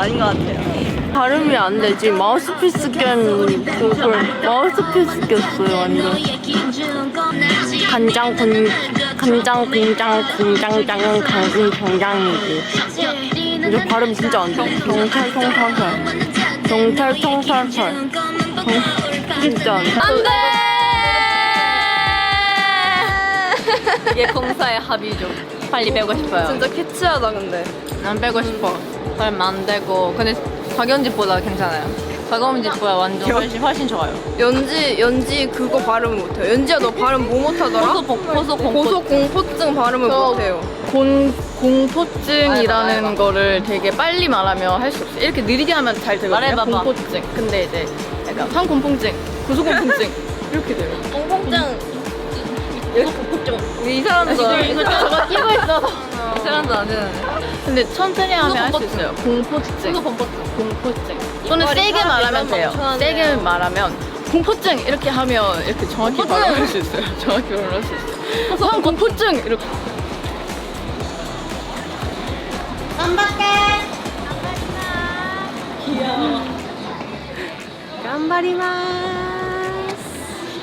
아닌 것 같아요. 발음이 안 되지. 마우스피스 마우스피스 꼈어요 완전. 간장 공장 공장장은 강군 경장이지. 이제 발음 진짜 안 돼. 경찰통살살 진짜 안 돼. 안돼. 이게 공사의 합의죠. 빨리 빼고 싶어요. 진짜 캐치하다 근데. 안 빼고 싶어. 얼마 안 되고. 근데 박연집보다 괜찮아요. 박연집보다 완전 훨씬 좋아요. 연지 그거 발음 못해요. 연지야 너 발음 뭐 못하더라? 고소공포증 발음을 못해요. 공포증이라는 거를 되게 빨리 말하면 할 수 없어요. 이렇게 느리게 하면 잘 되거든요. 말해봐봐. 공포증. 근데 이제 약간 상공포증, 고소공포증 이렇게 돼요. 공포증. 이 사람도 이거 저거 끼고 있어서. 이 사람도 안 되는. 근데 천천히 하면 할 수 있어요. 공포증. 공포증. 또는 세게 말하면 돼요. 세게 말하면 공포증 이렇게 하면 이렇게 정확히 발음할 수 있어요. 정확히 발음할 수 있어요. 상공포증 이렇게. 깜바리마.